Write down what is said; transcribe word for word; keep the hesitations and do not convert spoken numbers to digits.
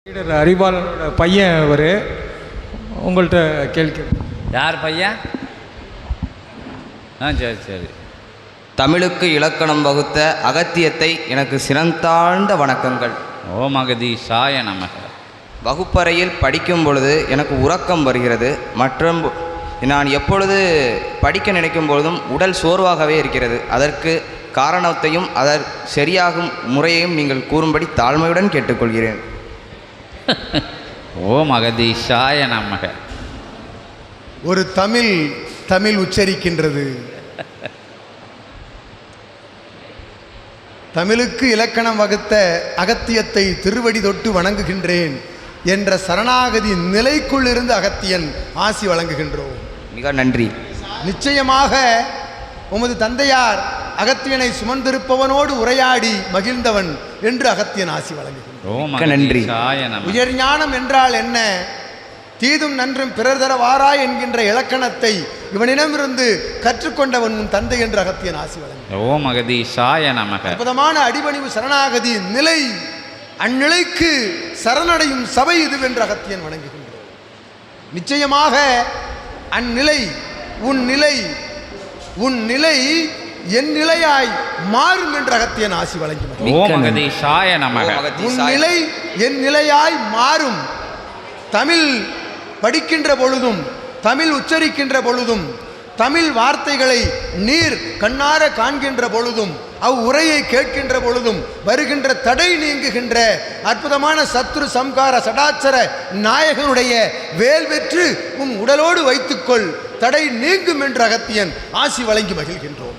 அறிவாளனோட பையன் அவர். உங்கள்கிட்ட கேள்வி. யார் பையன்? ஆ சரி சரி. தமிழுக்கு இலக்கணம் வகுத்த அகத்தியத்தை எனக்கு சிறந்தாழ்ந்த வணக்கங்கள். ஓம் அகதீஷாய நமக. வகுப்பறையில் படிக்கும் பொழுது எனக்கு உறக்கம் வருகிறது. மற்றும் நான் எப்பொழுது படிக்க நினைக்கும் பொழுதும் உடல் சோர்வாகவே இருக்கிறது. அதற்கு காரணத்தையும் அதர் சரியாகும் முறையையும் நீங்கள் கூறும்படி தாழ்மையுடன் கேட்டுக்கொள்கிறேன். ஓம் அகதீஷாய நமக. ஒரு தமிழ் தமிழ் உச்சரிக்கின்றது. தமிழுக்கு இலக்கணம் வகுத்த அகத்தியத்தை திருவடி தொட்டு வணங்குகின்றேன் என்ற சரணாகதி நிலைக்குள் இருந்து அகத்தியன் ஆசி வழங்குகின்றோம். மிக நன்றி. நிச்சயமாக உமது தந்தையார் அகத்தியனை சுமந்திருப்பவனோடு உரையாடி மகிழ்ந்தவன் என்று அகத்தியன் ஆசி வழங்குகின்றோம். நன்றி. உயர் ஞானம் என்றால் என்ன, தீதும் நன்றும் பிறர் தர வாராய் என்கின்ற இலக்கணத்தை இவனிடமிருந்து கற்றுக்கொண்டவன் உன் தந்தை என்று அகத்தியன் ஆசி வழங்குகின்றோம். ஓம் அகதீஷாய நமக. அற்புதமான அடிபணிவு சரணாகதி நிலை, அந்நிலைக்கு சரணடையும் சபை இதுவென்று அகத்தியன் வணங்குகின்றோம். நிச்சயமாக அந்நிலை உன் நிலை உன் நிலை என் நிலையாய் மாறும் என்று அகத்தியன் ஆசி வழங்கி. ஓம் அகதீஷாய நமக. உன் நிலை என் நிலையாய் மாறும். தமிழ் படிக்கின்ற பொழுதும் தமிழ் உச்சரிக்கின்ற பொழுதும் தமிழ் வார்த்தைகளை நீர் கண்ணார காண்கின்ற பொழுதும் அவ் உரையை கேட்கின்ற பொழுதும் வருகின்ற தடை நீங்குகின்ற அற்புதமான சத்ரு சம்கார சடாச்சர நாயகனுடைய வேல் வெற்று உன் உடலோடு வைத்துக்கொள், தடை நீங்கும் என்று அகத்தியன் ஆசி வழங்கி மகிழ்கின்றோம்.